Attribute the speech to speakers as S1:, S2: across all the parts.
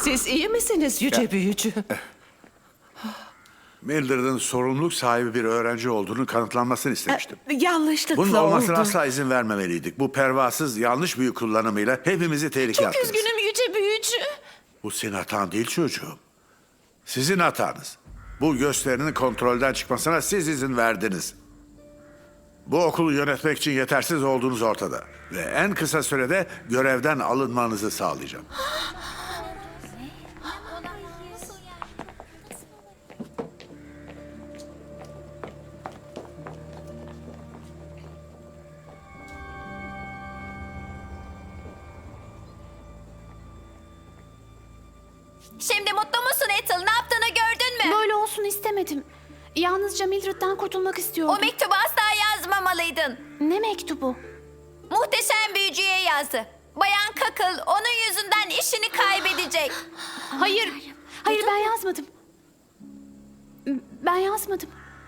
S1: Siz iyi misiniz yüce büyücü?
S2: Mildred'ın sorumluluk sahibi bir öğrenci olduğunu kanıtlanmasını istemiştim.
S1: Yanlışlıkla
S2: Bunun olmasına
S1: oldu.
S2: asla izin vermemeliydik. Bu pervasız yanlış büyü kullanımıyla hepimizi tehlikeye
S1: Çok
S2: attınız.
S1: üzgünüm yüce büyücü.
S2: Bu senin hatan değil çocuğum. Sizin hatanız. Bu gösterinin kontrolden çıkmasına siz izin verdiniz. Bu okulu yönetmek için yetersiz olduğunuz ortada. Ve en kısa sürede görevden alınmanızı sağlayacağım.
S3: Şimdi mutlu musun Ethel? Ne yaptığını gördün mü?
S4: Böyle olsun istemedim. Yalnızca Mildred'den kurtulmak istiyordum.
S3: O mektubu asla yazmamalıydın.
S4: Ne mektubu?
S3: Muhteşem büyücüye yazdı. Bayan Kakıl onun yüzünden işini kaybedecek.
S4: Hayır. Hayır ben yazmadım. Ben yazmadım.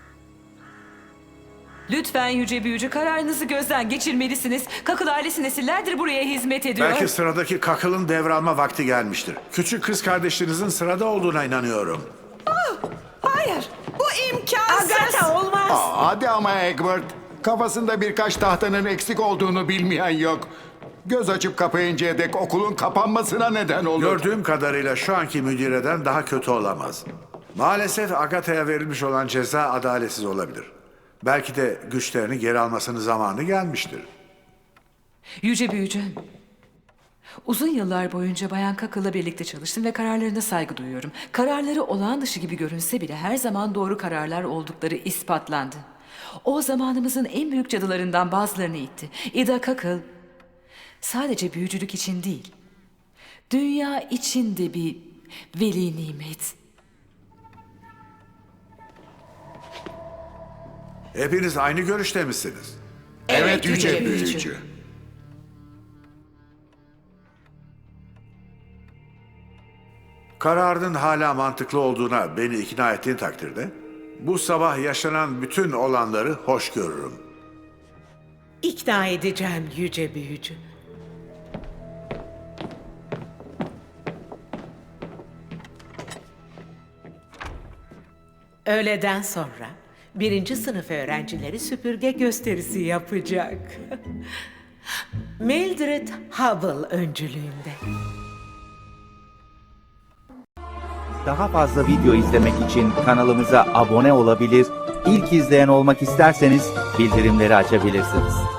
S5: Lütfen yüce büyücü, kararınızı gözden geçirmelisiniz. Kakıl ailesi nesillerdir buraya hizmet ediyor.
S2: Belki sıradaki kakılın devralma vakti gelmiştir. Küçük kız kardeşinizin sırada olduğuna inanıyorum.
S1: Hayır, bu imkansız.
S6: Agatha olmaz.
S7: Hadi ama Egbert. Kafasında birkaç tahtanın eksik olduğunu bilmeyen yok. Göz açıp kapayıncaya dek okulun kapanmasına neden olur.
S2: Gördüğüm kadarıyla şu anki müdireden daha kötü olamaz. Maalesef Agatha'ya verilmiş olan ceza adaletsiz olabilir. Belki de güçlerini geri almasının zamanı gelmiştir.
S5: Yüce büyücü, uzun yıllar boyunca Bayan Kakıl'la birlikte çalıştım ve kararlarına saygı duyuyorum. Kararları olağan dışı gibi görünse bile her zaman doğru kararlar oldukları ispatlandı. O zamanımızın en büyük cadılarından bazılarını itti. Ida Kakıl sadece büyücülük için değil, dünya için de bir veli nimet.
S2: Hepiniz aynı görüşte misiniz?
S7: Evet yüce büyücü.
S2: Kararının hala mantıklı olduğuna beni ikna ettiğin takdirde bu sabah yaşanan bütün olanları hoş görürüm.
S6: İkna edeceğim yüce büyücü. Öğleden sonra 1. sınıf öğrencileri süpürge gösterisi yapacak. Mildred Hubble öncülüğünde.
S8: Daha fazla video izlemek için kanalımıza abone olabilir, ilk izleyen olmak isterseniz bildirimleri açabilirsiniz.